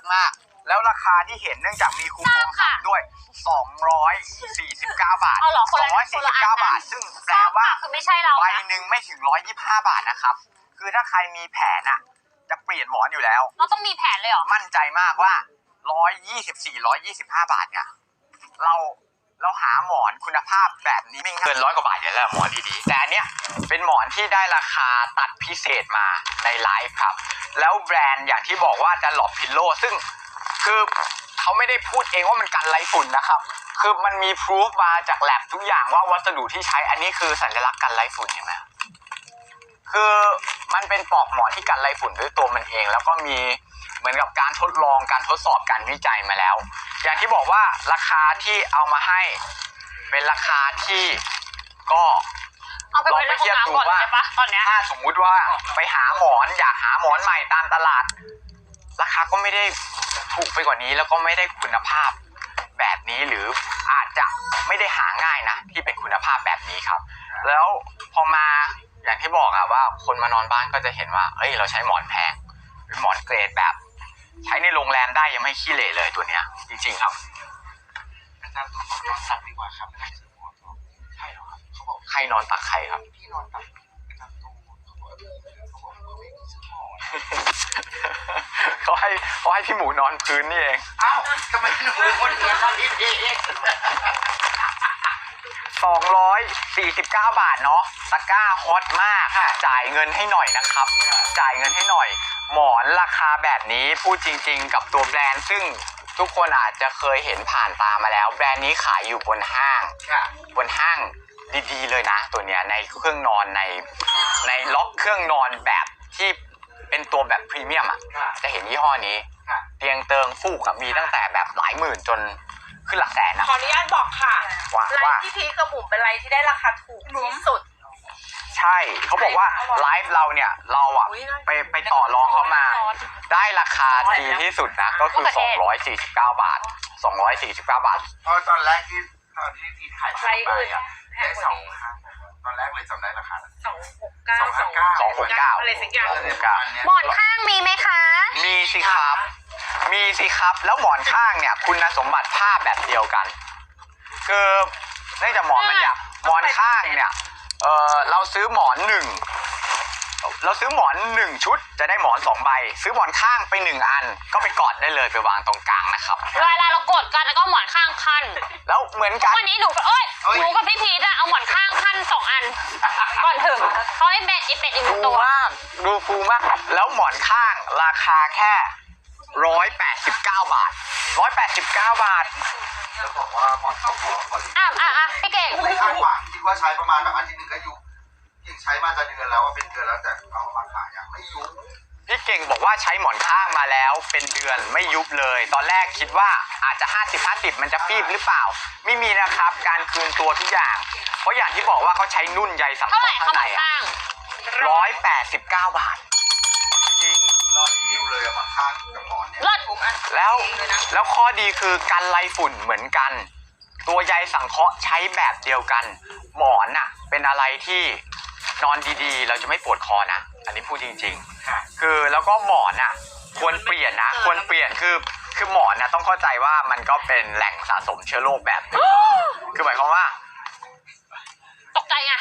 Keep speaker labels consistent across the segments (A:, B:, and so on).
A: มากแล้วราคาที่เห็นเนื่องจากมีคูปองด้วย249 บาท249 บาทซึ่งแปลว่า
B: คือไม่ใช่เรา
A: ใบหนึ่งไม่ถึง125 บาทนะครับคือถ้าใครมีแผนอ่ะจะเปลี่ยนหมอนอยู่แล้ว
B: เราต้องมีแผนเลยเหรอ
A: มั่นใจมากว่า124 125 บาทเนี่ยเราหาหมอนคุณภาพแบบนี้ไม่เกิน100 กว่าบาทอยู่แล้วหมอนดีๆแต่อันเนี้ยเป็นหมอนที่ได้ราคาตัดพิเศษมาในไลฟ์ครับแล้วแบรนด์อย่างที่บอกว่าDunlop Pillowซึ่งคือเขาไม่ได้พูดเองว่ามันกันไรฝุ่นนะครับคือมันมีพิสูจมาจากแลบทุกอย่างว่าวัสดุที่ใช้อันนี้คือสัญลักษณ์กันไรฝุ่นเห็นไหมคือมันเป็นปลอกหมอนที่กันไรฝุ่นด้วยตัวมันเองแล้วก็มีเหมือนกับการทดลองการทดสอบการวิจัยมาแล้วอย่างที่บอกว่าราคาที่เอามาให้เป็นราคาที่ก็ลองไปเทียบดูว่าถ้าสมมุติว่าไปหาหมอนอยากหาหมอนใหม่ตามตลาดราคาก็ไม่ได้ถูกไปกว่านี้แล้วก็ไม่ได้คุณภาพแบบนี้หรืออาจจะไม่ได้หาง่ายนะที่เป็นคุณภาพแบบนี้ครับแล้วพอมาอย่างที่บอกอะว่าคนมานอนบ้านก็จะเห็นว่าเอ้ยเราใช้หมอนแพงเป็นหมอนเกรดแบบใช้ในโรงแรมได้ยังไม่ขี้เหร่เลยตัวเนี้ยจริงๆครับ
C: อาจารย์ตัวนอนตักดีกว่าครับไม่ได้ซื้อหมอนใช่เหรอครับเขาบอก
A: ใครนอนตักใครครับ
C: พี่นอนตักอาจารย์ตูเขาบอกเขาไม่ซื้อหมอน
A: เขาให้พี่หมูนอนพื้นนี่เอง
C: อ้าวทำไมหนูเป็นคนเดียวกันเอง
A: 249 บาทเนาะตะกร้าฮอตมากจ่ายเงินให้หน่อยนะครับจ่ายเงินให้หน่อยหมอนราคาแบบนี้พูดจริงๆกับตัวแบรนด์ซึ่งทุกคนอาจจะเคยเห็นผ่านตามาแล้วแบรนด์นี้ขายอยู่บนห้างดีๆเลยนะตัวเนี้ยในเครื่องนอนในล็อกเครื่องนอนแบบที่เป็นตัวแบบพรีเมียมอ่ะจะเห็นยี่ห้อนี้เตียงเติงฟูกมีตั้งแต่แบบหลายหมื่นจนขึ้นหลักแสนนะ
D: ขออนุญาตบอกค่ะไล
A: ฟ์
D: ฟ์ที่พีกับบุ๋มเป็นไลฟ์ที่ได้ราคาถูกที่สุด
A: ใช่เขาบอกว่าไลฟ์เราเนี่ยเราอ่ะไปต่อรองเขามาได้ราคาดีที่สุดนะก็คือ249 บาท249 บาท
C: เพราะตอนที่พี่ถ่ายไปอ่ะได้2ตอนแรกเลยจำได้ราคา
A: 269
D: อะไรสักอย่าง
B: หมอนข้างมีไหมคะ
A: มีสิครับแล้วหมอนข้างเนี่ยคุณสมบัติผ้าแบบเดียวกันคือเนื่องจากหมอนมันอยากหมอนข้างเนี่ยเราซื้อหมอน1ชุดจะได้หมอน2 ใบซื้อหมอนข้างไป1 อันก็ไปกอดได้เลยไปวางตรงกลางนะครับ
B: เวลาเรากดกันแล้วก็หมอนข้างขั้น
A: แล้วเหมือนกัน
B: วันนี้หนูกับพี่พีทอะเอาหมอนข้างขั้น2 อันก่อนถึงเขาให้เป็ดอีตัว
A: ดูฟูมากแล้วหมอนข้างราคาแค่189 บาท
C: จะบอกว่าหมอนข้าง
B: พี่เก่ง
C: ไม่คาดหวังคิดว่าใช้ประมาณแบบอาทิตย์นึงก็ยุบยิ่งใช้มาจะเดือนแล้วว่าเป็นเดือนแล้วแต่เอามาขายไม่ยุบ
A: พี่เก่งบอกว่าใช้หมอนข้างมาแล้วเป็นเดือนไม่ยุบเลยตอนแรกคิดว่าอาจจะ50-50มันจะฟีบหรือเปล่าไม่มีนะครับการคืนตัวทุกอย่างเพราะอย่างที่บอกว่าเขาใช้นุ่นใยสังเคราะห์ข้างใน189 บาทจริง
C: รอดดิวเลยอะมาข้างกับหมอนเนี่ย
A: แล้วข้อดีคือกันไรฝุ่นเหมือนกันตัวใยสังเคราะห์ใช้แบบเดียวกันหมอนน่ะเป็นอะไรที่นอนดีๆเราจะไม่ปวดคอนะอันนี้พูดจริงๆคือแล้วก็หมอนน่ะควรเปลี่ยนคือหมอนน่ะต้องเข้าใจว่ามันก็เป็นแหล่งสะสมเชื้อโรคแบบนึงคือหมายความว่า
B: ตกใจไง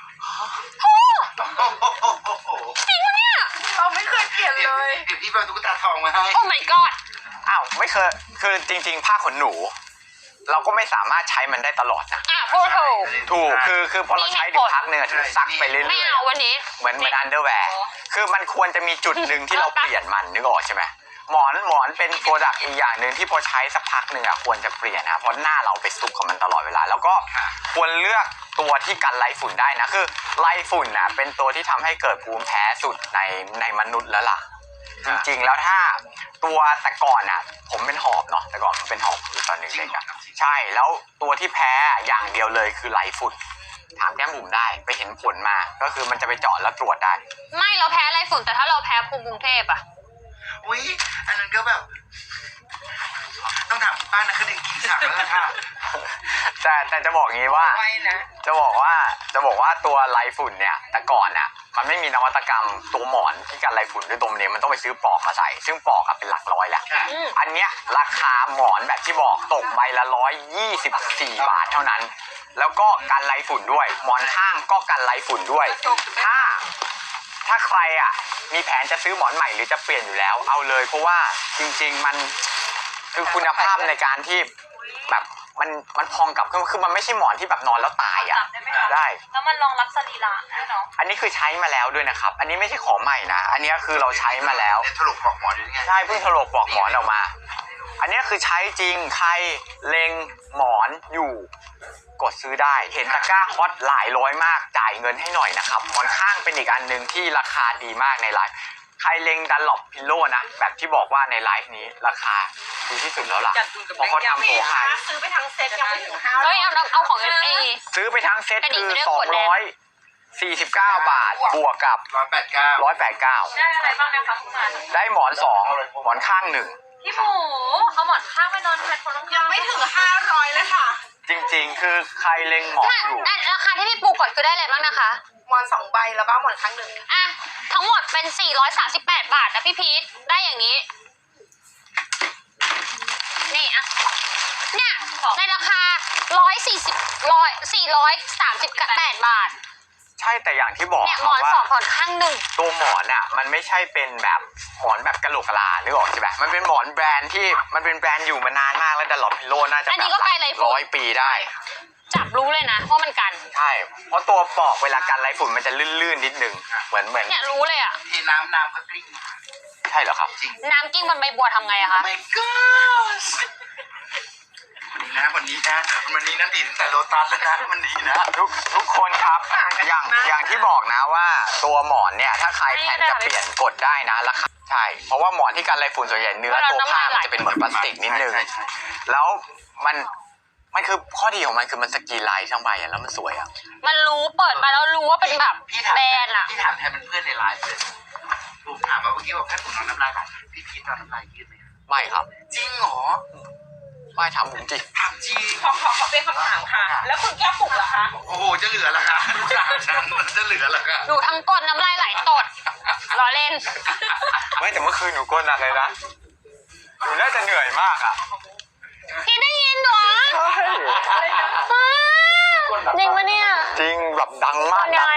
D: จริงปะเนี่ยเราไม่เคยเปลี่ยนเลย
C: เดี๋ยวพี่ไปตุ๊กตาทองมาให้
B: โอ้ my god
A: อ้าวไม่เคยคือจริงๆผ้าขนหนูเราก็ไม่สามารถใช้มันได้ตลอดนะ
B: พูด
A: ถูกคือพอเราใช้ถึงพักเนื้อถึงซักไปเรื่อยๆ
B: ไม่เอาวันนี้
A: เหมือนอันเดอร์แวร์คือมันควรจะมีจุดหนึ่งที่เราเปลี่ยนมันนึกออกใช่ไหมหมอนเป็นโปรดักต์อีกอย่างหนึ่งที่พอใช้สักพักหนึ่งควรจะเปลี่ยนนะเพราะหน้าเราไปซุกกับมันตลอดเวลาแล้วก็ควรเลือกตัวที่กันไรฝุ่นได้นะคือไรฝุ่นเป็นตัวที่ทำให้เกิดภูมิแพ้สุดในมนุษย์แล้วล่ะจริงๆแล้วถ้าตัวแต่ก่อนผมเป็นหอบเนาะแต่ก่อนผมเป็นหอบคือตอนเด็กๆใช่แล้วตัวที่แพ้อย่างเดียวเลยคือไรฝุ่นถามแก้มบุ๋มได้ไปเห็นผลมาก็คือมันจะไปเจาะแล้วตรวจได้
B: ไม่เราแพ้ไรฝุ่นแต่ถ้าเราแพ้ภูมิกรุงเทพ
C: อุ้ยอันนั้นก็แบบน้ต้องถามที่บ้านนะคือเด็กกินฉากแล้วค่ะ
A: แต่จะบอกงี้ว่า
D: ไว้นะ
A: จะบอกว่าตัวไรฝุ่นเนี่ยแต่ก่อนน่ะมันไม่มีนวัตกรรมตัวหมอนที่กันไรฝุ่นด้วยตมเนี่ยมันต้องไปซื้อปลอกมาใส่ ซึ่งปลอกอะเป็นหลักร้อยแหละ
B: อืม
A: อันเนี้ยราคาหมอนแบบที่บอกตกใบละ124 บาทเท่านั้น แล้วก็กันไรฝุ่นด้วย หมอนข้างก็กันไรฝุ่นด้วย ถ้าใครอ่ะมีแผนจะซื้อหมอนใหม่หรือจะเปลี่ยนอยู่แล้วเอาเลยเพราะว่าจริงๆมันคือคุณภาพในการที่แบบมันพองกลับคือมันไม่ใช่หมอนที่แบบนอนแล้วตายอ่ะได้
B: แล้วมันรองรับสรีระด้วยเนาะ
A: อันนี้คือใช้มาแล้วด้วยนะครับ อันนี้ไม่ใช่ของใหม่นะ อันนี้คือเราใช้มาแล้ว
C: เนี่ยถลกปลอกหมอนอยู่นี่ไง
A: ใช่เพิ่งถลกปลอกหมอนออกมา อันนี้คือใช้จริง ใครเล็งหมอนอยู่กดซื้อได้ เห็นตะกร้าฮอตหลายร้อยมาก จ่ายเงินให้หน่อยนะครับ หมอนข้างเป็นอีกอันหนึ่งที่ราคาดีมากในไลฟ์ ใครเล็งดันหลบพิโลนะ แบบที่บอกว่าในไลฟ์นี้ราคาดีที่สุดแล้วล่ะ เพราะเขาทำโปรให้
D: ซื้อไปทั้งเซ็ตยังไม่ถึง5
B: เฮ้ยเอาของเอ
A: ซื้อไปทั้งเซ็ต
B: แต่นี่
A: คือ
B: ไม่ได้ขวดแดง
A: 249 บาท บวกกับ
C: 189
B: ได้อะไรบ้างนะคะคุณมา
A: 189 ได้หมอน 2 หมอนข้าง
B: พี่หมูเอาหมอนข้างไปนอนแทนคนข้างๆ
D: ยังไม่ถึง500เลยค่ะ
A: 1 จริงๆ คือใครเล็งหมอนอยู่
B: ราคาที่พี่ปูกดคือได้อะไรบ้างนะคะ
D: หมอน2 ใบแล้วก็หมอนครั้งหนึ่ง
B: อ่ะทั้งหมดเป็น438 บาทนะพี่พีทได้อย่างนี้ นี่อ่ะเนี่ยในราคา438 บาท
A: ใช่แต่อย่างที่บอก
B: เนี่ย
A: ค
B: หม
A: รับ
B: อน
A: ว่า
B: สองหมอนข้างหนึ่ง
A: ตัวหมอนอ่ะมันไม่ใช่เป็นแบบหมอนแบบกะโหลกกะลานึกออกใช่ไหมมันเป็นหมอนแบรนด์ที่มันเป็นแบรนด์อยู่มานานมากแล้วดัลลอปพิโลน่าจะ
B: อัน
A: แบ
B: นี้
A: บ
B: ก็ไกลไรฝุ่น
A: 100 ปีได้
B: จับรู้เลยนะว่ามันกัน
A: ใช่ เพราะตัวปลอกเวลากันไรฝุ่นมันจะลื่นๆนิดนึงเหมือน
B: เนี่ยรู้เลยอ่ะ
C: ที่น้ำก็กลิ้ง
A: ใช่เหรอครับ
C: จริง
B: น้ำกิ้งบนใบบัวทำไงอะคะ
C: my god วันนี้นะดีตั้งแต่โลตัสแล้วนะมันดีนะ
A: ทุกคนครับอย่างที่บอกนะว่าตัวหมอนเนี่ยถ้าใครแผนจะเปลี่ยนกดได้นะราคาใช่เพราะว่าหมอนที่กันไรฝุ่นส่วนใหญ่เนื้อตัวผ้ามันจะเป็นเหมือนพลาสติกนิดนึง
C: ใช่
A: แล้วมันคือข้อดีของมันคือมันสกรีนไลน์ทั้งใบอะแล้วมันสวยอะ
B: มันรู้เปิดมาแล้วรู้ว่าเป็นแบบ
C: พี่ถาม
B: แบรนด์อะ
C: พี่ถามแทนเป็นเพื่อนในไลฟ์เลยผมถามว่าเมื่อกี้บอกให้ผมนอนน้ำลายไหลพี่พีทนอนน้ำลายยืดไหม
A: ไม่ครับ
C: จริงเหรอ
A: ไม่ทำผมจริง
C: ถามจริง
D: ขอเป็นคำถามค่ะ แล้วคุณแก้วปลุกเหรอคะ
C: โอ้โหจะเหลือละค่ะลูกสาวฉันมันจะเหลือละค่ะ
B: ดูทั้งก้นน้ำลายไหลตดล้อเล่น
A: ไม่แต่เมื่อคืนหนูก้นหนักเลยนะหนูน่าจะเหนื่อยมากอะ
B: พี่ได้ยินเหรอ
A: ใช่
B: จริงปะเนี่ย
A: จริงแบบดังมาก
B: ยังไง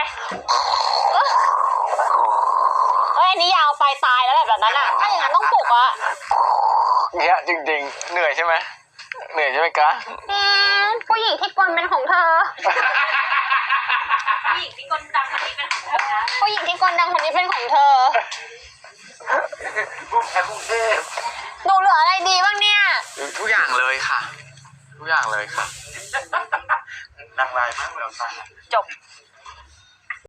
B: เอ้ยอันนี้ยาวไปตายแล้วแบบนั้นอ่ะ ถ้าอย่างนั้นต้องปลุกอะ
A: เนี่ยจริงๆเหนื่อยใช่ไหมเหนื่อยใช่ไหมกะ
B: ผู้หญิงที่กลเป็นของเธอ
D: ผู้หญิงที่กลดังคนนี้เป็นของเธอ
B: ผู้หญิงที่กลดังคนนี้เป็นของเธอ
C: กรุงเทพ
B: หนูเหลืออะไรดีบ้างเนี่ย
A: ทุกอย่างเลยค่ะ ทุกอย่างเลยค่ะ
C: ดังลายมากเลยค่ะ
B: จบ